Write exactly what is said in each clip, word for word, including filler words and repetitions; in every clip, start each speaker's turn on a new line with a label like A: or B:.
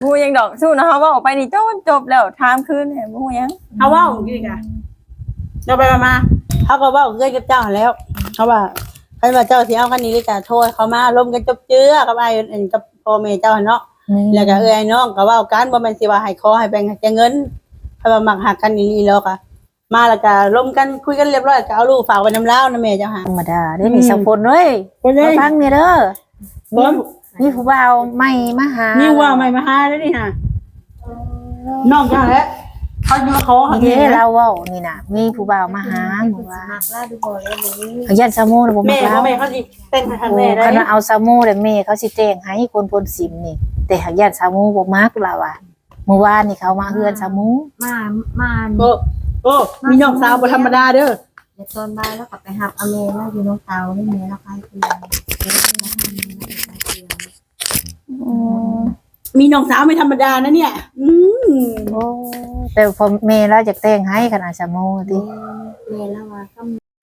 A: บูยังดอกสู้นะเขาว่าออกไปนี่จบจบแล้วถามคืนเนี่ยบูยัง
B: เขาว่าของกี่กะเราไปมาเขาก็ว่าเกิดกับเจ้าแล้วเขาว่าใครว่าเจ้าสิเอาคันนี้ก็จะโทษเขามาล้มกันจบเจื้อกับไอ้เอ็นกับพ่อแม่เจ้าเนาะแล้วก็เอ้ยน้องก็ว่าการบ่แม่นสิว่าให้ขอให้แบ่งให้เงินเขาว่ามักหักกันนี่แล้วก็มาแล้วก็ล้มกันคุยกันเรียบร้อยก็เอาลูกฝากไว้น้ำเล้านะแม่เจ้าหา
C: ธรรมดาได้มีสังคนเว้ยฟังเนี่ยเด้อ
B: บ่
C: มีผู้บ่าวใหม่มาหา
B: นี่ว่าไม่มาหาแล้วนี่ฮะน้องเจ้าแหละเขาจะมาขอ
C: เด้เราเว้านี่น่ะมีผู้บ่าวมาหาหมู่ว่า
D: หักลาดูบ่เลยบ่
C: เขายันซามูแล้วบ่
B: แม่
C: มา
B: เขา
C: แล้ว
B: แม่เขาสิเต้นทาง
C: โอ้
B: แม่ได้
C: คันว่าเอาซามูแล้วแม่เขาสิแต่งให้คนพลสิมนี่ แต่หากยันซามูบ่มักล่ะว่ะเมื่อวานนี่เขามาเฮือนซามู
D: มามา
B: โอ้โอ้มีน้องสาวบ่ธรรมดาเด้อ
D: เดี๋ยวตอนบ่ายแล้วก็ไปหับอเมแล้วอยู่น้องเตาให้แม่แล้วไปเพื่อน
B: มีน้องสาวไม่ธรรมดานะเนี่ยอืม
C: โอ้แต่พอแม่เราจะแต่งให้ขนาดซามูติ
D: แม่แล้วว่าก็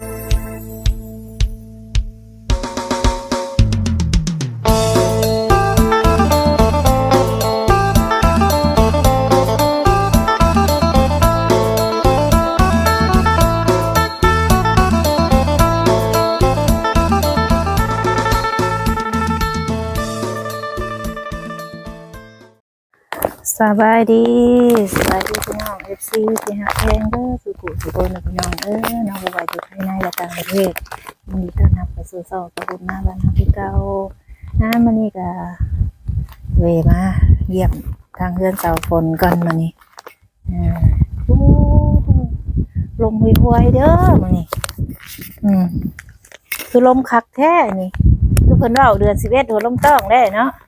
C: สบายดีสบายดีพี่น้อง เอฟ ซี ที่ฮักแพงเด้อสุขุสุขคนนะพี่น้องเอ้ยน้องบ่ว่าอยู่ภายในและต่างประเทศยินดีต้อนรับเข้าสู่ช่องตะบุญมาบ้านเฮาคือเก่าน้ามื้อนี้ก็เวมาเยี่ยมทางเรือนเสาฝนก่อนมื้อนี้อ่าโอ้ลมห่วยๆเด้อมื้อนี้อืมคือลมคักแท้นี่คือเพิ่นเว้าเดือนสิบเอ็ดหัวลมต้องได้เนาะ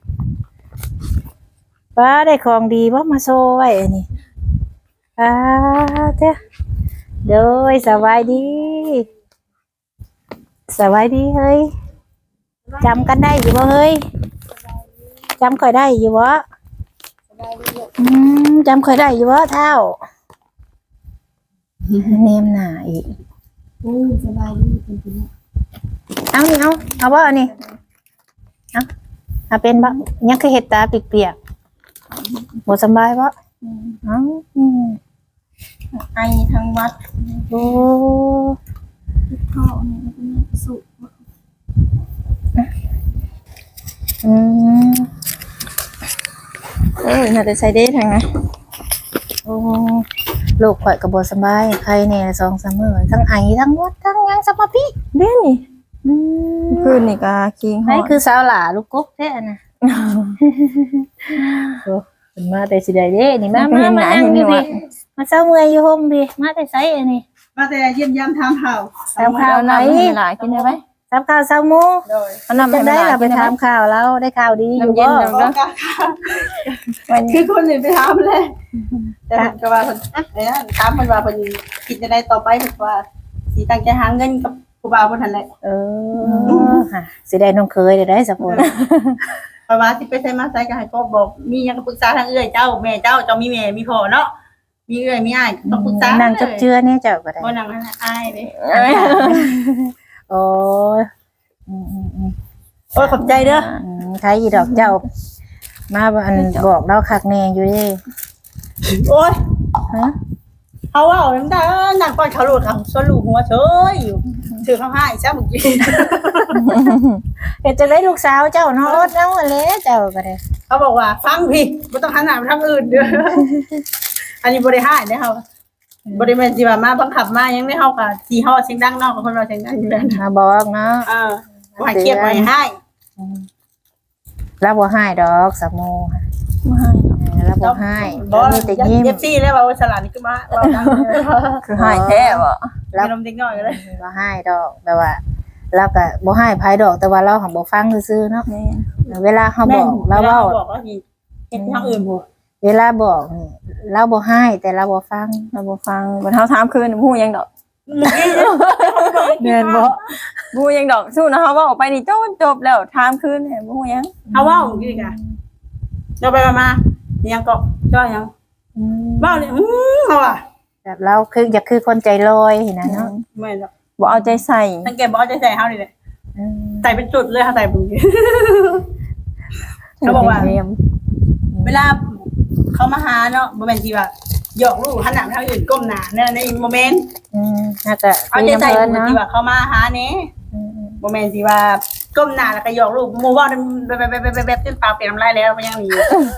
C: ป้าได้ของดีว่ามาโซไว้อันนี้ป้าเจ้าเด้อสบายดีสบายดีเฮ้ยจำกันได้อยู่บ่เฮ้ยจำค่อยได้อยู่บ่อืมจำค่อยได้อยู่บ่เท่าเนมหน้าอีก
D: โอ้สบายดีเป็นพี่
C: เอานี่เอาเอาบ่อันนี้เอาเอาเป็นบ่ยังคือเห็ดตาเปียกๆบ่สบายบ่เอ้าอืม
A: ไอทั้งวัด
C: โอ้
D: พ่อเนี่ยมันเป็นสุ
C: อืม
A: เออน่าจะใส่ได้ทางนะ
C: โอ้ลูกข่อยก็บ่สบายใครแน่สองสามมื้อทั้งไอทั้งหวัดทั้งหยังสมาพิ
A: เด้นี่
C: อืม
A: คืนนี่ก็คิงฮอ
C: นี่
A: ด
C: คือสาวหลาลูกกบแท้น่ะโอ้เพิ่นมาแต่สิได้เด้นี่มามามานั่งอยู่พี่มาเซาเมื่อยอยู่ห่มพี่มาแต่ไสอันนี้
B: มาแต่เยี่ยมยามถามข่าว
C: ถามข่าวไหน
A: หลายกินได้ไหม
C: ถามข่าวเซาหมู
B: โดย
A: เอาน้ำ
C: จะ
A: ให้
C: ได้
A: หลาย
C: ล่ะไป
A: กินได้
C: ถาม
A: ไหม
C: ข่าวแล้วได้ข่าวดีอยู่
A: น้ำเย็
C: บ่
A: น
B: บอกกันคือคนอื่นไปถามเลยแต่ผมก็ว่าเพิ่นไอ้นั่นถามเพิ่นว่าเพิ่นคิดจะได้ต่อไปเพิ่นว่าสิตั้งใจหาเงินกับผู้บ่าวเพิ่นนั่นแหละ
C: เออค่ะสิได้น้องเคยได้ได้สักคน
B: เพราะว่าสิไปไสมาไสก็ให้พ่อบอกมีหยังก็ปรึกษาทางเอื้อยเจ้าแม่เจ้าเจ้ามีแม่มีพ่อเนาะมีเอื้อยมีอ้ายต้องปรึกษา
C: นั่งจับเจือเนี่ยเจ้าก็ได้
B: บ่นั่งนั่นน่ะอายเด้
C: โอ้ยอืมอืมอืม
B: โอ้ยขอบใจเด้อ
C: อืมใครอีดอกเจ้า มาอันบอกเราคักแน่อยู่เดิ
B: โอ้ย
C: ฮะ
B: เขาว่าเอาน้ำตาหนังก้อนเขาหลุดเขาสวนลูกหัวเฉยอยู่ถือเขาให้ซะเมื่อกี้
C: เฮ็ดจังได๋ลูกสาวเจ้าเนาะอดเอาอันแหละเจ้าก็ได้
B: เขาบอกว่าฟังพี่ไม่ต้องหันหน้าไปทางอื่นเด้อ อันนี้บริหารเนี่ยเขาบริเวณที่ว่ามาบังคับมายังไม่เข้ากับที่ห้อเสียงดังนอกกับคนเราเสียงดังอยู่แล้ว
C: มาบอกเนาะ
B: เออว่าให้เครียดไว้ให้
C: รับบ่ให้ดอกสามโมค่ะ
A: ไม่ให้หรอก
C: เออรับบ่ให้
B: บอส
C: มีแต่ยิ้ม
B: เอฟซีแล้วว่าสลัดนี่คือมาว่าดังเลย
A: คือหายแท้บ่
B: มีนมเด็กน้อยก็เลย
C: บ่ให้ดอกแต่ว่าเราก็บ่ให้ไผดอกแต่ว่าเราหันบ่ฟังซื่อๆเนาะ
A: แม่น
C: เวลาเฮาบอกเราเว้า
B: บอกว่าเห็นทางอื่นบ่
C: เวลาบอกนี่เราบ่ให้แต่เราบ่ฟัง
A: เราบ่ฟังบ่เฮาถามคืนบูยังดอก
B: เมื่อกี้
C: แม่นบ่
A: บูยังดอกสู้นะเขาว่าออกไปนี่จบจบแล้วถามคืนเนี่ยบูยัง
B: เอาว่าของกี่กะเราไปมายังก็จ้อยัง
C: อืม
B: บ้าเนี่ยอืมเอาอ่ะ
C: แบบเราคืออยากคือคนใจลอยนะเนาะ
B: ไม่หรอก
A: บ่เอาใจใส่
B: ตั้งแกบอกจะใส่เฮาดิเลย
C: อืม
B: ใส่เป็นจุดเลยค่ะใส่เป็นเขาบอกว่า
A: เรียม
B: เวลาเขามาหาเนาะบ่แม่นที่ว่าหยอกลูกหันหน้าไปทางอื่นก้มหน้าเนี่ยในโมเมนต์
C: อืมน่าจะ
B: เอา
C: มี
B: ใจ
C: น้ำ
B: ใส่
C: เพิ่น
B: หมู่
C: เนาะ
B: ที่ว่าเขามาหาแหน่
C: อืม
B: บ่แม่นสิว่าก้มหน้าแล้วก็หยอกลูกหมู่เว้าแบบๆๆๆๆจนปากเปลี่ยนน้ำลายแล้วมันยังมีอยู่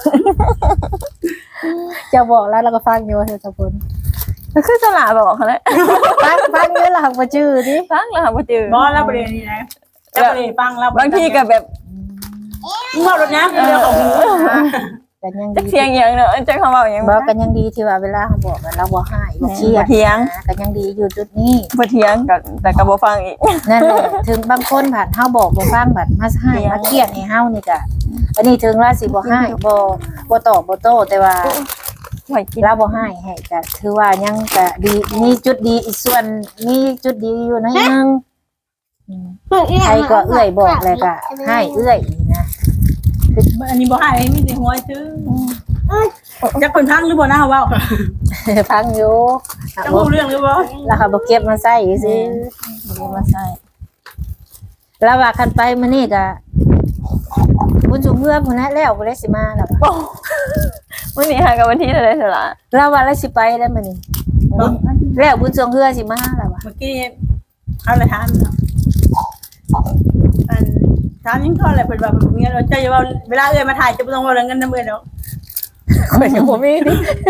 C: จะบอกแล้วเราก็ฟังอยู่ว่าเธอจะพูด
A: ก็คือสลาบอกเขาแหละ
C: ฟังฟังเยอะหลักมาจื้อดิ
A: ฟังแล้วค่ะบ่จือ
B: บ่แล้วประเด็นนี้นะแล้วประเด็นฟังแล้ว
A: บางทีก็แบบ
B: มึงเว้ารถนะเรื่องของหู
C: กันยัง
A: จัก
C: ดี
A: เสียงอย่างเนาะจักคำเว้าอย่าง
C: บอกกันยังดีที่ว่าเวลาเขาบอกกันเราบ่ให้บ่เครีย
A: บ่
C: ด
A: เถียง
C: นะกันยังดีอยู่จุดนี้
A: บ่เถียงก็แต่ก็บ่ฟังอีก
C: นั่นแหละถึงบางคนผ่านเฮาบอกบ่ฟังบัดมาให้มาเครียดให้เฮานี่ก็อันนี้ถึงว่าสิบ่ให้บ่บ่ตอบบ่โต้แต่ว่า
A: ไว้กิน
C: เราบ่ให้ให้ก็ถือว่ายังก็ดีมีจุดดีอีกส่วนมีจุดดีอยู่หนะยังอืมใครก็เอื้อยบอกเลยก็ให้เอื้อยอีกนะ
B: อันนี้บ่ให้มีแต่หัวซื้อจักเพิ่นพังหรือบ่นะเว้า
C: ฟังอยู่
B: จักรู้เรื่องหรือบ่
C: แล้วเขาบ่เก็บมาใส่ซื่อ
A: บ่มาใส่
C: แล้วว่าคันไปมื้อนี้ก็บุญสูงเมื่อพุ่นนะแล้วบ่ได้สิมาแล้วว่ะ
A: มื้อนี้หากับวันที่เท่าใดสละ
C: แล้วว่าแล้วสิไปแล้วมื้อนี้แล้วบุญสูงเฮือสิมาแล้วว่ะ
B: เมื่อกี้เอาเลยถามเนาะอันถามยังก็อะไรเพิ่นว่าเพิ่นมีเงินเจ้าอย่าว่าเวลาเอ้ยมาถ่ายจะบ่ต้องว่าเรื่องเงินนำเอ้ยดอก
C: ข่อยก็บ่มีดิ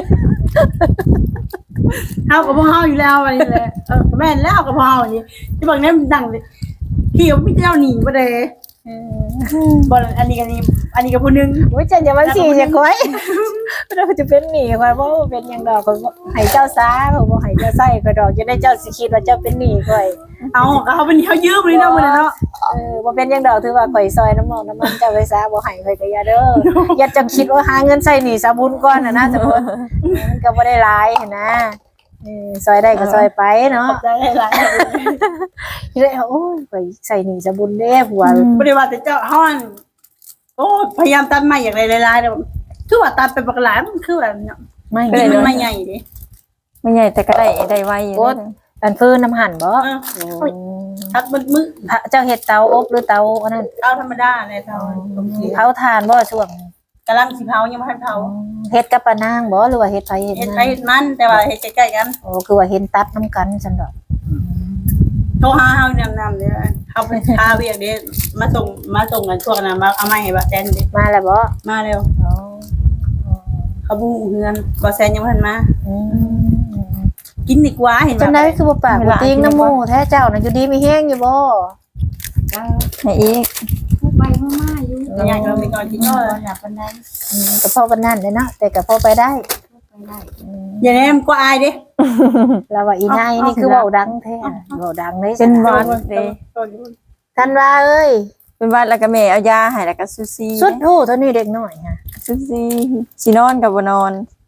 B: เฮาก็บ่เฮาอยู่แล้วอันนี้แหละเออแม่นแล้วก็บ่เฮาอันนี้ที่บอกเนี่ยมันดังเลยพี่ก็มีเจ้าหนีบ่ได้บ่อันนี้ก็นี่อันนี้ก็ผู้นึง
C: โอ้ยจันอย่ามาสิจะก้อยเราจะเป็นหนี้ข่อยบ่เป็นหยังดอกข่อยบ่ให้เจ้าซาข่อยบ่ให้เจ้าใส่ข่อยดอกจะได้เจ้าสิคิดว่าเจ้าเป็นหนี้ข่อย
B: เอาก็เขาเป็นเขายืมเลยเนาะมื้อนั้นเนาะ
C: เออบ่เป็นหยังดอกถือว่าข่อยซอยน้ำมองน้ำมันเจ้าไปซาบ่ให้ข่อยก็อย่าเด้ออย่าจังคิดว่าหาเงินใส่หนี้สาบุญก่อนน่ะนะสมมุติมันก็บ่ได้หลายหันนะเออซอยได้ก็ซอยไปเนาะ
B: ได้หลาย
C: ที่ได้โอ้ยข่อยใส่หนี้สาบุญเด้ผัว
B: บ่ได้ว่าแต่เจ้าฮ้อนโอ้พยายามตัดไม้อย่างไรหลายๆแล้วคือว่าตัดไปบักหลายมันคือว่าเนาะ
C: ไม่
B: มันไม่ใหญ่ดิ
A: ไม่ใหญ่แต่ก็ได้ได้ไวอยู่
C: โอ้
A: เด้อ
C: อันเพิ่นน้ำหั่นบ่
B: เออ
C: โอ้
B: ทักมือ
C: เจ้าเฮ็ดเตาอบหรือเตาอันนั้น
B: เตาธรรมดาเลยเตาลมเสีย
C: เผาถ่านบ่ช่วงนี้
B: กำลังสิเผายังบ่ทันเผา
C: เฮ็ดกับปะนางบ่หรือว่าเฮ็ดไผเฮ็ด
B: เฮ็ด
C: นา
B: ไปเฮ็ดมันแต่ว่าเฮ็ดใกล้ๆกัน
C: โอ้คือว่าเห็นตัดน้ำกันซั่นดอก
B: โทรหาเฮาแนะนำเด้อเฮาไปพาเวียกเด้มาส่งมาส่งกันพวกนั้นมาเอาไม้ให้บ่แซนเด้
C: มาแล้วบ่
B: มาเร็ว
C: อ๋อ
B: เขาบ่ฮู้เฮือนบ่แซนยังบ่ทันมา
C: อืม
B: กินดีกว่าเห็น
C: จัง
B: บ่
C: ได๋คือบ่ปากบ่ติงน้ำหมู่แท้เจ้าน่ะอยู่ดีมีแฮงอยู่บ่
A: ให้อีก
D: ไปมาๆอยู่
B: อยากเรามีก่อนกิน
D: น
B: เนาะ
D: อนหลับบันได
C: อืมก็พอปานนั้นเด้เนาะแต่ก็พอไปได้
D: ไปได้
B: อย่าแนมกว่าอายเด้
C: แล้วว่าอีนายนี่คือเว้าดังแท้เว้าดังเลย
A: เป็นหวัดเด้
C: ท่านว่าเอ้ย
A: เป็นหวัดแล้วก็แม่เอายาให้แล้วก็ซูซี่
C: สุดหูเท่านี้เด็กน้อยฮะ
A: ซูซี่สินอนก็บ่นอน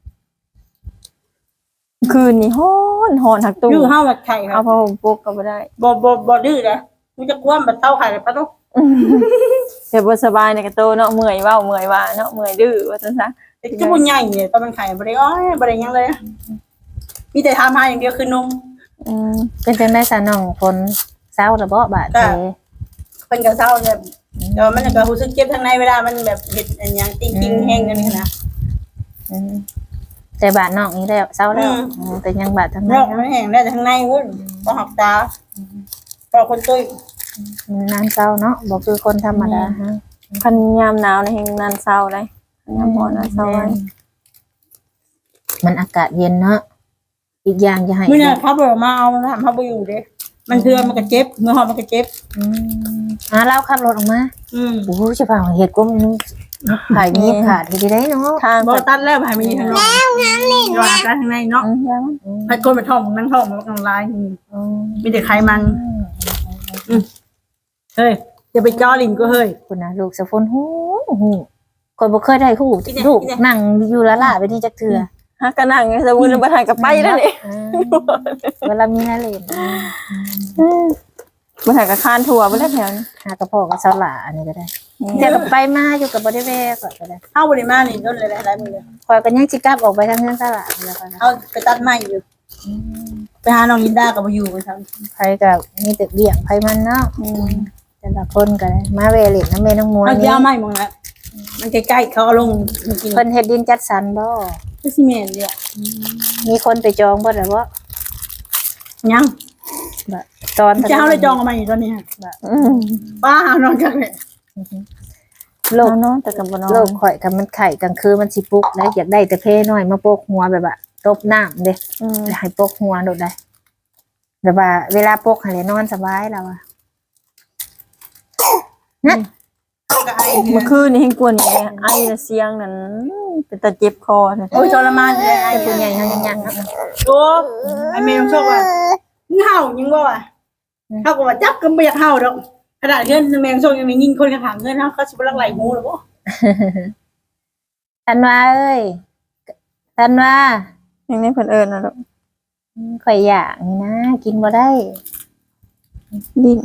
A: คืนนี้ฮ้อนฮ้อนหักตู้
B: ดื้อเฮาแบบไข่ค
A: เอา
B: รับ
A: ผ้าห่มปกก็บ่ได้
B: บ่บ่บ่ดื้อนะมันจะกวนแบบเต้าไข่เลยปะตุ๊ก
A: แต่บ่สบายในกระโตเนาะเมื่อยเว้าเมื่อยว่าเนาะเมื่อยดื้อว่าซั่นซะ
B: แต่จะบุญใหญ่เนี่ยตอนมันไข่บ่ได้อ้อยบ่ได้หยังเลยมีแต่ทำหาอย่างเดียวคือนม
A: อืม
C: เป็นจังได๋ซะน้องฝนเศร้าแล้วบ่บาด
B: จ้ะ
C: เด้
B: เพิ่นก็เศร้าแบบแต่ว่ามันก็รู้สึกเจ็บทางในเวลามันแบบเฮ็ดอันหยังติ้งๆแห้งกันนี่นะ
C: อืมแต่บาดน้องนี้แล้วเศร้าแล้ว
B: อืม
C: อืมแต่ยังบาดทาง
B: น
C: นั้
B: อน กมันแห้งได้แต่ทางในวุ่นบ่หักตาพอคนตุ้ย
C: นานเศร้าเนาะบ่คือคนธรรมดาฮะ
A: คันยามหนาวนี่แฮงนานเศร้าเลยยามร้อนนานเศร้าไว้
C: มันอากาศเย็นเนาะอีกอย่างจะให้
B: มื้อน่ะเขาบอกมาเอามันทำเฮาบ่อยู่เด้มันเทื่อมันก็เจ็บเมื่อฮอดมันก็เจ็บ
C: อืมอ่าเราขับรถออกมา
B: อืม
C: โอ้โหจะฟังเหตุก็มันขายมีขาดที่ได้เนาะ
A: ทาง
B: บ่
A: ก็
B: ตัดแล้วให้มันอยู่ข้างนอกแล้วงามนี่ว่ากันข้างในเนาะ
A: อืมยัง
B: ให้คนไปท้องนั่งท้องมันก็ลายอืม
C: อืม
B: มีแต่ไขมันเฮ้ยอย่าไปจ้อลิ้นก็เฮ้ย
C: คุณนะลูกสะฟนหูหูคนบ่เคยได้หู
B: ที่ไหน
C: ลูก
B: ที่ไหน
C: นั่งอยู่ละล่ะไปนี่จักเทื่อ
A: ฮักก็นั่งสมุนบ่ทันก็ไปแล้วนี่
C: อืมเวลามีนาเล่น
A: บ่ทันก็คานทั่วบ่ได้แถวนี้
C: หากระเพาะกับสลาอันนี้ก็ได้แต่ก็ไปมาอยู่กับบ่ได้แวกก็ได้
B: เอาบริมานี่ต้นเลยหลายมือเลย
C: คอยกันยังสิกลับออกไปทางเฮือนสลาแล้วก็นะ
B: เอาไปตัดไม้อยู่ไปหาน้องลินดากับมาอยู่กันครับ
C: ไผก็มีแต่เลี้ยงไผมันเนาะ
A: อืม
C: แต่ละคนก็ได้มาเวเล่นน้ำแม่น้องมวย
B: เอา
C: นี่
B: ยาไม้มองละมันใกล้ๆเขาเอาลงกิน
C: เพิ่นเฮ็ดดินจัดสรรบ่
B: ก็สิแม่นเด้อ
C: มีคนไปจองบ่ล่ะบ่
B: ยัง
C: บ่ตอน
B: จะเอาเลยจองเอามาอยู่ตอนนี้
A: อืม
B: ป้าหานอนกันเลย
C: โลก
A: เอาเนาะแต่กับบ่นอน
C: โลกข่อยกับมันไข่กลางคืนมันสิปลุกได้อยากได้แต่เพน้อยมาโปกหัวแบบว่าตบน้ำเด้
A: อืม
C: ให้ปกหัวโดดได้แบบว่าเวลาปกให้นอนสบายแล้วอ่ะนั่น
B: ก็ไอ้
A: เมื่อคืนนี่เห็นกวนนี่ไอ้ละเสียงนั่นเป็นตาเจ็บคอน่ะ
B: โอ้ยทรมานเลยไอ้
C: เป็นผู้ใหญ่ยังยังๆครับ
B: โอ้ไอ้เมย์ต้องชอบว่าเห่ายังบ่ว่ะเฮาก็ว่าจับก็บ่อยากเห่าดอกขนาดเงินแมงส่งยังมียิงคนข้างๆเงินเฮาเขาสิบ่ลักไหลหูหรอบ่
C: ธันวาเอ้ยธันวา
A: อย่างนี้เพิ่นเอิ้นน่ะลูก
C: ข่อยอยากนี่นะกินบ่ได้
A: ดิ้น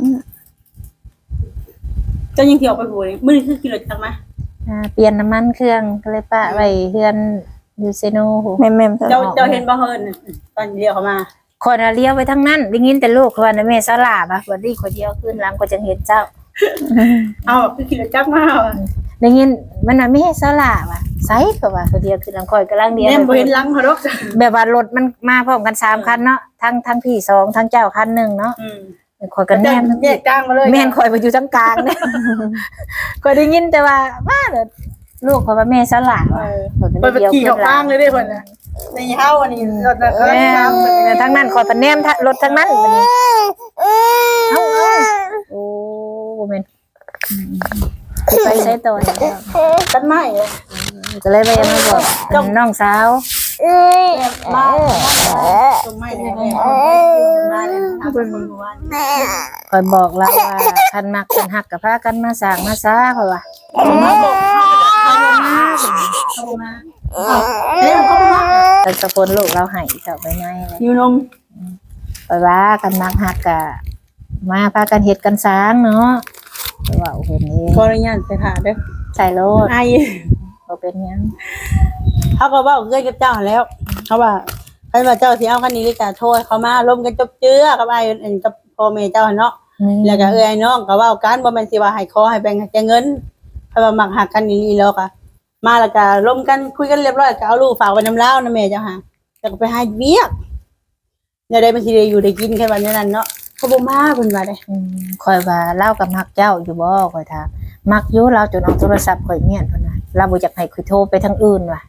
B: เจ้ายังสิออกไปบ่มื้อนี้คือกินรถจักมา
C: อ่าเปลี่ยนน้ำมันเครื่องก็เลยปะไว้เฮือนยูเซโนโห
A: แม่มๆซะ
B: เจ้าเจ้าเห็นบ่เฮินตอนเดียวเขามา
C: คนน่ะเลี้ยวไปทั้งนั้นได้ยินแต่ลูกเขาว่านะแม่สลาบอ่ะบัดนี้คนเดียวขึ้นหลังก็จังเห็นเจ้า
B: เอาคือกินรถจักมาว่ะ
C: ได้ยินมันน่ะแม่สลาบอ่ะไสก็ว่าคนเดียวขึ้นหลังคอยกำลังเดียว
B: แม่บ่เห็นหลังเขาดอก
C: แบบว่ารถมันมาพร้อมกันสามคันเนาะทั้งทั้งพี่สองทั้งเจ้าคันหนึ่งเนาะ
B: อืม
C: คอยกันแนม
B: แยกกลางมาเลย
C: แม่นคอยไปอยู่ทั้งกลางเนี่ยคอยได้ยินแต่ว่าว่าเด้อลูกคอยว่าแม่สลา
B: เอ
C: ว่ะ
B: อเปิดขี่ออกข้างเลยเด้เพิ่นน่ะในเฮาอันนี้รถน่ะ
C: แม่ทั้งนั้นคอยไปแนมรถทั้งนั้นบัดนี้เอ้าๆโอ้บ่แม่นไปใช้ตัวเนี่ย
B: กันไม้
C: ก็เลยไปมาบอกน้องสาว
B: มาตรงไม้เนี่ยมาเลยทำเป็นเมื่อวาน
C: คอยบอกเราว่าคันมักคันหักกับพากันมาสร้างมาซ่าเขาว่า
B: มาบอกเขามาเขามาเฮ้ยเขามา
C: เป็นสะพนลูกเราให้เจ้าไปไหนเลย
B: อยู่นม
C: ไปว่ากันมักหักกะมาพากันเฮ็ดกันสร้างเนาะว่าโอ้โหนี่
B: ขออนุญาตไปถ่าเด้อ
C: ใส่รถ
B: ไอ้
C: บ่เป็นหยัง
B: เขาก็บอกเกินกับเจ้าแล้วเขาว่าใครว่าเจ้าสิเอาคันนี้ก็จะโทษเขามาล้มกันจบเจือกับไอ้อันกับพ่อแม่เจ้าเนาะแล้วก็เอ้ยน้องก็ว่าการบ่แม่นสิว่าให้ขอให้แบ่งให้เงินเพราะว่ามักหักกันนี่แล้วก็มาแล้วก็ล้มกันคุยกันเรียบร้อยก็เอาลูกฝากไว้น้ำเล้านะแม่เจ้าค่ะแล้วก็ไปให้เวียกอย่าได้มันสิได้อยู่ได้กินแค่วันนั้นเนาะเขาบ่มาเพิ่นว่าเด้
C: อืมคอยว่าเล่ากับมักเจ้าอยู่บ่คอยถามมักอยู่เราจนเอาโทรศัพท์ข่อยเมียนพุ่นน่ะเราบ่อยากให้ข่อยโทรไปทางอื่นว่ะ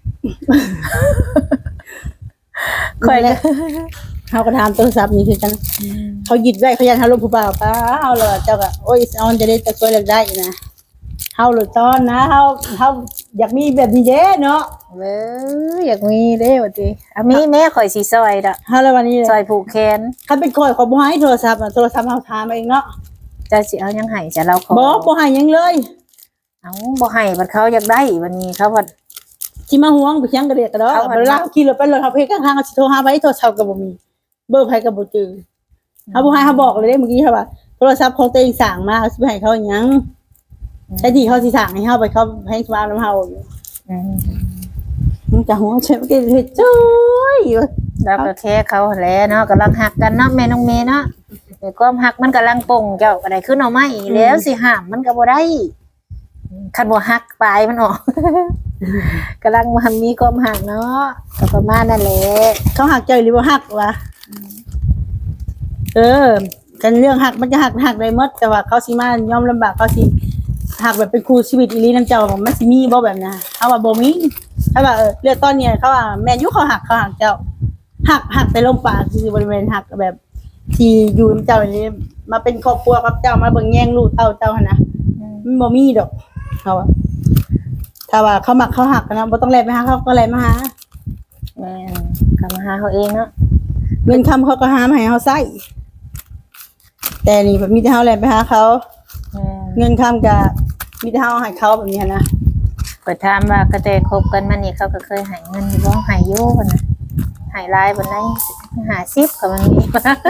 B: ค่อยเลยเขาก็ถามโทรศัพท์นี่คือกันเขาหยิบไว้เขายันเขาลงผู้บ่าวป้าเอาเลยเจ้าก็โอ้ยเอาจะได้จะช่วยเลือกได้นะเฮาหลุดตอนนะเฮาเฮาอยากมีแบบนี้เด้เนาะ
C: เว้ยอยากมีเด้ว่าติอ่ะมีแม่ข่อยสิซอยดอก
B: เฮาแล้ววันนี้
C: ซอยผูกแขน
B: คันเป็นข่อยขอบ่ให้โทรศัพท์อะโทรศัพท์เฮาถามเองเนาะ
C: เจ้าสิเอายังให้จะเราขอ
B: บ่บ่ให้หยังเลย
C: เอาบ่ให้บัดเขาอยากได้วันนี้เขาบัด
B: สิมาห่วงไปเชียงกระเดกกระดอก
C: เอาอัน
B: เวลาเขาขี่รถไปรถเฮาเพกข้างๆเขาสิโทรหาไว้โทรศัพท์ก็บ่มีเบอร์ไผก็บ่จือเฮาบ่ให้เฮาบอกเลยเด้เมื่อกี้เฮาว่าโทรศัพท์ของตัวเองสั่งมาสิไปให้เขาหยังใช้ที่เขาสิสั่งให้เฮาไปเขาให้สมานํเฮาอยู่
C: อืม
B: มันจะหัวใช่ไหมกินเห็ดจ้อยอยู่
C: เราก็แค่เขาแหละเนาะกำลังหักกันเนาะแม่น้องเมย์เนาะแต่ความหักมันกำลังป่งเจ้าก็ได้ขึ้นเอาไม้แล้วสิห้ามมันก็บ่ได้คันบ่หักปลายมันออก กำลังมันมีความหักเนาะก็ประมาณนั่นแหละ
B: เขาหักใจหรือว่าหักวะเออกันเรื่องหักมันจะหักหักได้หมดแต่ว่าเขาสิมายอมลำบากเขาสิหักแบบเป็นครูชีวิตอีหลีน้ำเจ้ามันสิมีบ่แบบนะเขาว่าบ่มีเขาว่าเออเรื่องตอนเนี้ยเขาว่าแม่นยุเขาหักเขาหักเจ้าหักหักแต่ลงปากคือบริเวณหักแบบ ที่อยู่น้ำเจ้าอย่างนี้มาเป็นครอบครัวกับเจ้ามาเบิ่งแย่งลูกเต้าเจ้าหั่นนะมันบ่มีดอกเขาว่าถ้าว่าเขามักเขาหักกันนะบ่ต้องแลไปหาเขาก็แลมาหา
C: แม่นก็มาหาเขาเองเนาะ
B: เงินคำเขาก็หามาให้เขาใช้แต่นี่แบบมีแต่เขาแลไปหาเขา
C: แม่น
B: เงินคำกับมีแต่เขาให้เขาแบบนี้นะ
C: ก็ถามว่ากระแตคบกันมานี่เขาก็เคยให้เงินอยู่บ่ให้อยู่พุ่นน่ะให้หลายบ่ได้ห้าสิบก็มันมี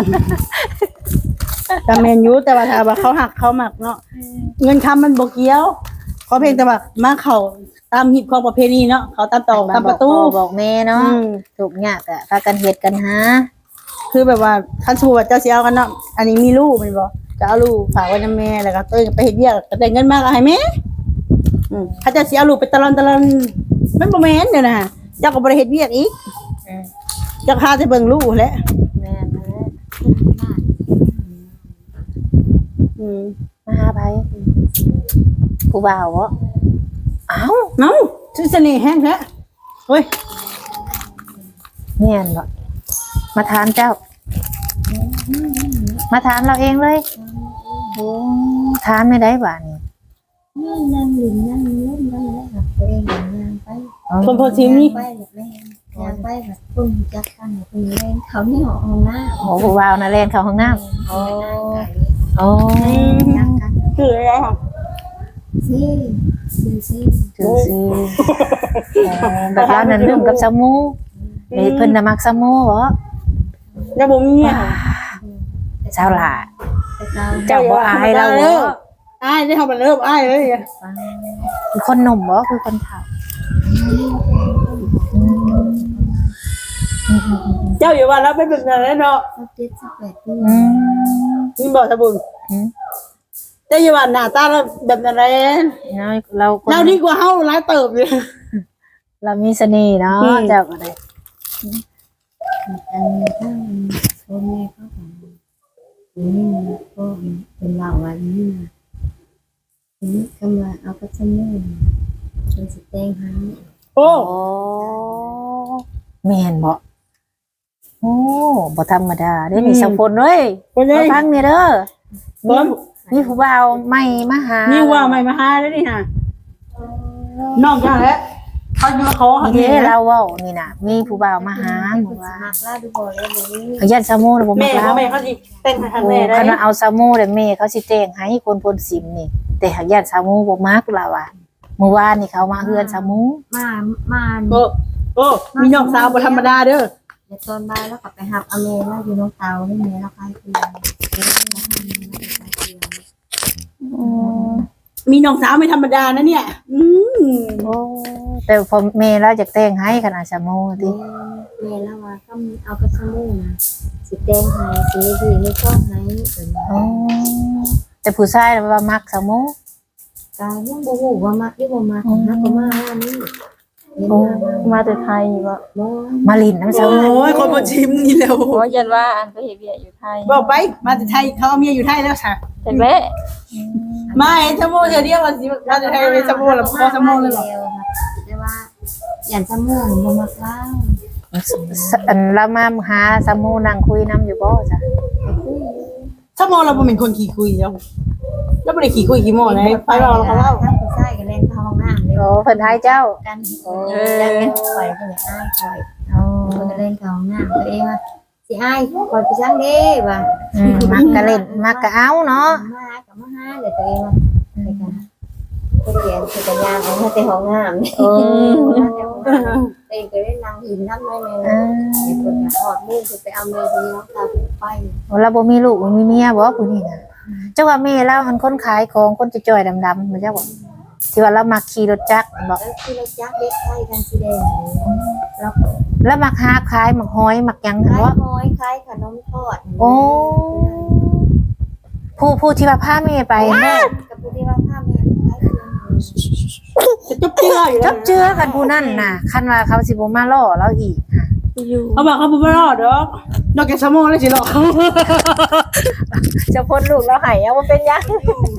B: แต่แมนยูแต่ว่าถ้าว่าเขาหักเขาหมักเนาะเงินคำมันบกเกี้ยวเขาเพียงแต่ว่ามาเขาตามฮิตของประเพณีเนาะเขาตามตอกตามประตู
C: บอกพ่อบอกแม่เนาะ
B: อืม
C: ถูกยากอะพากันเฮ็ดกันหา
B: คือแบบว่าคันสมมุติว่าเจ้าสิเอากันเนาะอันนี้มีลูกแมันบ่จะเอาลูกฝากไว้นำแม่แล้วก็ตัวเองไปเฮ็ดเวียกก็ได้เงินมากก็ให้แม่อืมเขาจะสิเอาลูกไปตะลอนตะลอนมันบ่แม่นเด้อนะเจ้าก็บ่ได้เฮ็ดเวียกอีก
C: อืม
B: เจ้าพาแต่เบิ่งลูกแหละ
C: แม่นแม่น
B: อืม
C: มาหาไผผู้บ่าวบ่อ้าว
B: เอ้าชื่อเสน่ห์แฮงแท้เฮ้ย
C: แม่นบ่มาถามเจ้า มาถามเราเองเลยโอ้ถามไม่ได้บ่านี่
D: นี่นั่งลินนั่งเล่นนั่งเล่นกับตัวเองอย่างงานไป
B: คนพอชิมนี่
D: ไปแบบเล่นงานไปแบบปุ่มจักกันปุ่มเล่นเขาไม่หอห้องหน้า
C: โอ้ผู้บ่าวน่ะแล่นเข้าห้องน้ำ
D: โอ้
C: โอ้
D: จักกัน
B: คืออะไรค่ะ
D: ซีซีซี
C: คือสิเออแบบเรานั่นลืมกับสมูนี่เพิ่นน่ะมักสมูบ่
B: แล้วบ่มีอ่ะ
C: สาวหล่า
D: แต่เรา
C: เจ้าบ่อายเราบ่
B: อ้ายได้ทำมันเริ่มอ้ายเลย
C: คือคนหนุ่มบ่คือคนเฒ่าอืม
B: เจ้าอยู่ว่าเราเป็นแบบนั้นเนาะ
D: เขาเจ็ดสิบแปดปี
C: อืม
B: มีบอกสบุญ
C: อืม
B: เจ้าอยู่ว่าหน้าตาเราแบบนั้น
C: เราคน
B: เราดีกว่าเฮาหลายเติบเลย
C: เรามีเสน่ห์เนาะ
B: อืม
C: เจ้าก็ได้
D: อันนี้ถ้าพ่อแม่เขาของนี่ก็เป็นเราวันนี้นะทีนี้ก็มาเอากระชับมือเป็นสเต็งให้
B: โอ้
C: โอ้แม่นบ่โอ้บ่ธรรมดาเด้นี่สังพลเอ้ย
B: คนนี้
C: มาฟังนี่เด้อ
B: บ่
C: มีผู้บ่าวใหม่มาหา
B: นี่ว่าไม่มาหาแล้วนี่ฮะนอกจากแล้วเขาจะมาขอหา
C: นี่เด้เราเว้านี่น่ะ มีผู้บ่าวมาหา
D: ให้
C: บ
D: คุ
C: อก
D: ณส
C: ว่า
D: มัครล่าดูบอลเลยวันนี้
C: เขายันซามูน่ะบ่
B: แม่
C: มัก
B: เขา
C: เรา
B: แม่เขาสิแต่งให้ทาง
C: โอ้
B: แม่ได้
C: คันว่าเอาซามูแล้วแม่เขาสิแต่งให้คนพลสิมนี่ แต่หากยันซามูบ่มักเราอ่ะเมื่อวานนี่เขามาเฮือนซามู
D: มามา
B: โอ้โอ้มีน้องสาวบ่ธรรมดาเด้อ
D: เดี๋ยวตอนบ่ายแล้วกลับไปหับอเมริกาอยู่น้องเตาให้เมียแล้วคลายเครียด
C: อืม
B: มีน้องสาวไม่ธรรมดานะเนี่ย อืม
C: โอ้แต่พอแม่เราจะแต่งให้ขนาดซามูติ
D: เมียแล้วว่าก็เอากระชับมือนะสิแดงให้สีดีไม่ชอบให้เป็น
C: โอ้แต่ผู้ชายน่ะว่ามักซามู
D: กายยังบ่ฮู้ว่ามักหรือบ่มักนะก็มาว่านี่เห็น
C: โอ้
D: มา
A: มาแต่ไทยบ่
D: บ่
C: มาลินน้ำซามู
B: โอ้ยคนมาชิมนี่แล้ว
A: เพราะยันว่าอันไปเฮ็ดเวียกอยู่ไทย
B: บอกไปมาจากไทยเขาเอาเมียอยู่ไทยแล้วค่ะ
A: แต่แม่
B: ไม่สมุนเดียวมาสิมาจากไทยเป็นสมุนแล้วพอสมุนเลยหรอ
D: แต่ว่าอย่างสมุนบ่มักเล่า
C: อันเรามาหาซามูนั่งคุยน้ำอยู่บ่จ้ะ
D: ไปคุย
B: สมุนเราเป็นคนขี้คุยแล้วแล้วไม่ได้ขี้คุยขี้โม่เลยไปเราเขาเล่า
D: ทั้งผู้ชายก็เล่นเข้าห้องน้ำเลย
C: โอ้เพิ่นให้เจ้า
D: กันเออจังเป็นปล่อยเพิ่นอ้ายปล่อย
C: อ๋อ
D: เพิ่นก็เล่นเข้าห้องน้ำตัวเองว่าสิอ้ายปล่อยไปจังเด้ว่า
C: อืมมักกะเล่นมักกะเอาเนาะ
D: มากับมาหาเดี๋ยวตัวเองว่าไปกันก็เรียนจักรยานเอาแต่ห้องน้ำนี่
C: เออ
D: ตัวเองก็เล่นนางหินน้ำน้อยแม่
C: เออ
D: เดี๋ยวเพิ่นก็ทอดมือเพิ่นไปเอาเมย์น้องตาไป
C: เราบ่มีลูกบ่มีเมียบ่ผู้นี้น่ะเจ้าว่าแม่เราอันคนขายของคนจ่อยๆดำๆมันเจ้าบ่ที่ว่าเรามักขี่รถจักรบ่
D: แล้วคือเราจักเล็กไข่กันสีแดงแล้ว
C: แล้วมักหาขายมักหอยมักหยังหั่น
D: คล้าย
C: บ่
D: หอยคล้ายขนมทอด
C: โอ้ผู้ผู้ที่ว่าพาแม่ไปแม่
D: กับผู้ที่ว่าผ้าแม่คล้ายกัน
B: จะจบเจืออยู่
C: จับเจือกันผู้นั่นน่ะคันว่าเขาสิบ่มาล่อเราอีกค่ะ
B: เขาบอกเขาไม่รอดหรอกนอกจากสมุนแล้วสิหรอก
C: จะพ้นลูกเราให้เอาบ่เป็นหยัง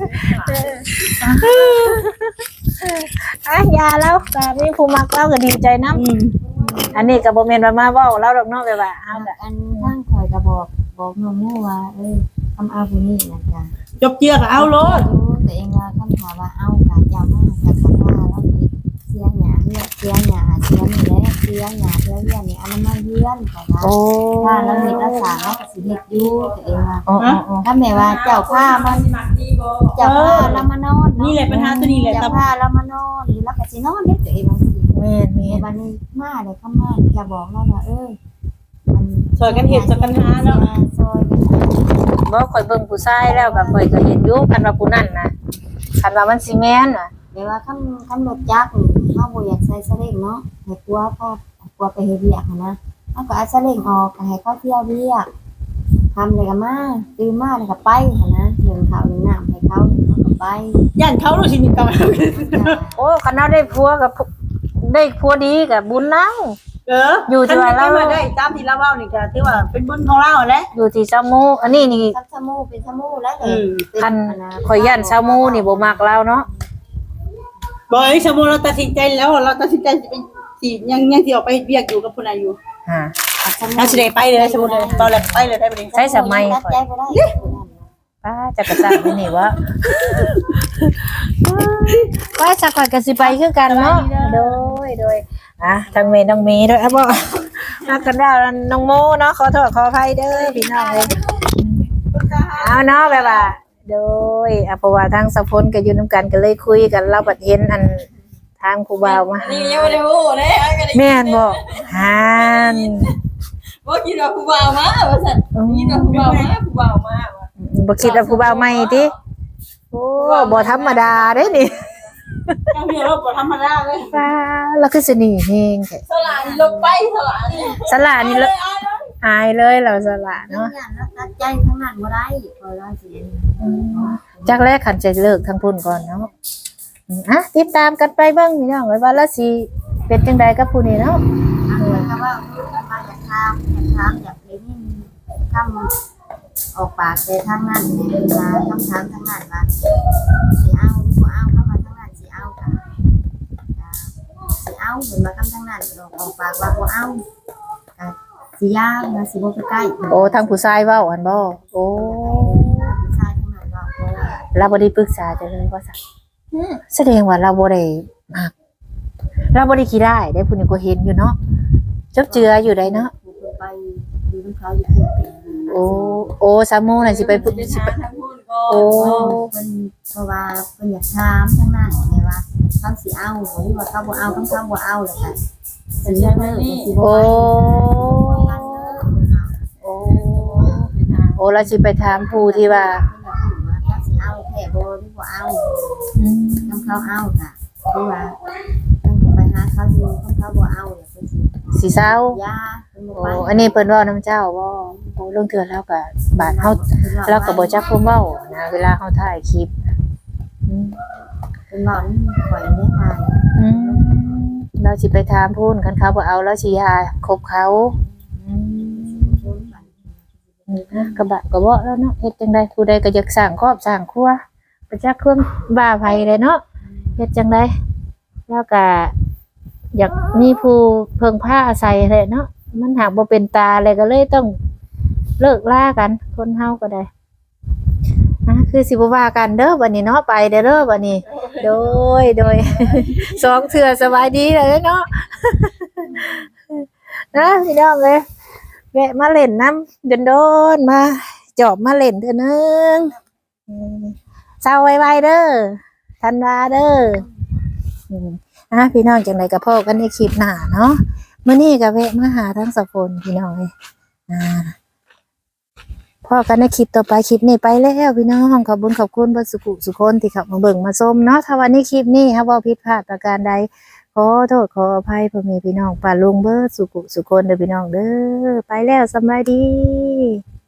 C: อ่ะยาแล้วก็มีผู้มักเราก็ดีใจนำ อันนี้ก็บ่แม่นว่ามาเว้าเราดอกเนาะแบบว่าเฮาก็
D: อันทั้งคอยกระบอกบอกน้องมู่ว่าเออทำเอาผู้นี้นะจ๊ะ
B: จบเจือกับเอารถ
D: ตัวเองว่าคำถามว่าเอากาจามากจากคำว่าแล้วเสียหยาเรียกเสียหยาเสียนี่แหละเสียหยาเสียเรียนนี่อันนั้นมาเยือนแต่ว่า
C: โอ้
D: ถ้าเราเห็นรักษาแล้วก็สิเฮ็ดอยู่ตัวเองว่า
C: โอ้โอ้
D: ถ้าแม่ว่าเจ้าผ้ามันเจ้าผ้าแล้วมานอน
B: นี่แหละปัญหาตัวนี้แหละ
D: เจ้าผ้าแล้วมานอนหรือแล้วก็สินอนเฮ็ดตัวเองว่าสิ
C: แม่น
D: แม่
C: แม่น
D: บัดนี้มาเลยเข้ามาจะบอกเราว่าเออมัน
B: สอยกันเห็ดสอยกันหาเนาะ
D: ซอยกัน
C: บ่ข่อยเบิ่งผู้ชายแล้วก็ข่อยก็เห็นอยู่คันว่าผู้นั้นน่ะคันว่ามันสิแม่นน่ะ
D: เดี๋ยวว่าคำคำรถจักรนี่เฮาบ่อยากใส่สเล้งเนาะให้กลัวพ่อกลัวไปเฮ็ดเวียกหั้นนะเฮาก็เอาสเล้งออกก็ให้เขาเที่ยวเวียกทำเลยก็มาตื่นมาแล้วก็ไปหั่นนะเดินข้าวเดินน้ำให้เขาไปไป
B: ย่านเขารู้สินี่ก็
C: โอ้คันเราได้ผัวกับได้ผัวดีกับบุญแล้ว
B: เออ
C: อยู่ที่ว่าเรา
B: คันได้ตามที่เราเว้านี่ก็ถือว่าเป็นบุญของเราแหละ
C: อยู่ที่ซามูอันนี้นี่
D: ทับชะมูเป็นชะมูแล้วเล
B: อื
D: ย
B: ม
C: คันข่อยย่านซามูนี่บ่มักเราเนาะ
B: บ่ไอ้สมมุติเราตัดสินใจแล้วเราตัดสินใจสิไปสิยังยังสิออกไปเวียกอยู่กับผู้ใดอยู่
C: ฮะ
B: เราสิได้ไปเลยสมมุติเลยตอนแรกไปเลยได้บ่ดี
C: ใช้สมัย
D: ตัด
C: ข่อย
D: ใจบ่ได้
C: ป้าจะกระซังนี่วะป้าสักข่อยก็สิไปคือกันเนาะโดยโดยอ่ะทางเมย์น้องเมย์ด้วยอ่ะบ่นักกันดาวน้องโมเนาะขอโทษขออภัยเด้อพี่น้องเอ้ยเอาเนาะแบบว่าโดยอ่ะเพราะว่าทางสะพลก็อยู่นํกันก็เลยคุยกันเราบัดเห็นอันทางครูบาวมา
A: นี่ยังไม่ได้พูดเลยอันก็ได้
C: แม่นบ่ฮาน
A: ว่าคิดว่าผู้บ่าวมาว่าซั่นคิดว่าผู้บ่าวมาผู้บ่าวมาว่ะ
C: บ่คิดว่าครูบาวใหม่ติโอ้บ่ธรรมดาเด้นี่
B: จังเดียวเราบ่ธรรมดาเลย
C: ป้าแล้วคือสิหนี่เฮงแท้
A: สลานี่ลงไปสลานี่
C: สละนี่ละอายเลยเราสละ
D: เนาะ
C: เนาะ
D: แล้วตัดใจทั้งนั้นบ่ได้พอเราสิ
C: จากแรกขันจะเลิกทางพุ่นก่อนเนาะอืมอ่ะติดตามกันไปเบ้างพี่น้องไว้ว่าละสิเป็นจังใดกับผู้นี้เนาะ
D: อันนี้ก็ว่ามาอยากถามอยากถามอยากเห็นคำออกปากแต่ทางนั้นเวลาคำถามทางนั้นว่าสิเอาหรือบ่เอาเข้ามาทางนั้นสิเอาค่ะสิเอาเหมือนมาคำทางนั้นออกปากว่าบ่เอาสิยากนะสิบ่ไปใกล้
C: โอ้ทางผู้ชายเว้าอันบ่โอ้
D: ผู้ชายทางนั้นว่าบ่ได้
C: เราบ่ได้ปรึกษาจะเลยว่าซั่นแสดงว่าเราบ่ได้มักเราบ่ได้ขี้ได้ได้ผู้นี้ก็เห็นอยู่เนาะจบเจืออยู่ได้เนาะ
D: ผู้คนไปดูน้ำเขาอยู่ที่
C: โอ้โอ้ซามูน่ะสิไปปรึกสิไป
A: ทางพูดก่อน
C: โอ้
D: เพิ่นเพราะว่าเพิ่นอยากถามทางนั้นไงว่าเขาสิเอาหรือว่าเขาบ่เอาเขาบ่เอาแล้วกันสิเลิกสิบ่
C: โอ้
D: กันเลิก
C: โอ้โอ้เราสิไปถามผู้ที่ว่า
D: เขาสิเอาแค่บ่หรือบ่เอา
C: อืม
D: น้ำเขาเอาค่ะหรือว่าไปหาเขาอยู่เขาบ่เอาเนี่ยเพิ่นสิ
C: สิเศร้า
D: ยาเพิ่นบ่
C: โอ้
D: ไป
C: อันนี้เพิ่นเว้านํเจ้าบ่โอ้เรื่องเทื่อแล้วก็บาดเฮาเราก็บ่จักความเว้านะเวลาเฮาถ่ายคลิปอืม
D: เพิ่นบอกนี่ข่อยได้มา
C: อืมเราสิไปถามพูนคันเขาบ่เอาแล้วสิยาคบเขาอืมกระบะกระเบาะแล้วเนาะเฮ็ดจังได๋ผู้ใดก็อยากสร้างครอบสร้างครัวบ่จักความบ้าไผเลยเนาะเฮ็ดจังได๋แล้วก็อยากมีผู้เพิ่งพาอาศัยแหละเนาะมันหากบ่เป็นตาเลยก็เลยต้องเลิกลากันคนเฮาก็ได้อ่ะคือสิบ่ว่ากันเด้อบัดนี้เนาะไปเด้อเด้อบัดนี้ โดยโดย สองเถื่อสบายดีเลยเนาะ นะพี่น้องเลยแวะมาเล่นน้ำเดินโดนมาจอบมาเล่นเถอะนึงอืมเศร้าไวๆเด้อทันวาเด้ออืมอ่ะพี่น้องจังไรกับพ่อกันในคลิปหน้าเนาะมื้อนี้ก็แวะมาหาทั้งสองคนพี่น้องเลยอ่าพ่อกันในคลิปต่อไปคลิปนี้ไปแล้วพี่น้องขอบคุญขอบคุณเบ่สุขุสุคนที่เขับมาเบิ่งมาชมเนาะถ้าวันนี้คลิปนี้ครับว่าผิดพลาดประการใดขอโทษขออภัยพ่อแม่พี่น้องป่าลุงเบิดสุขุสุคนเด้อพี่น้องเด้อไปแล้วสำบายดี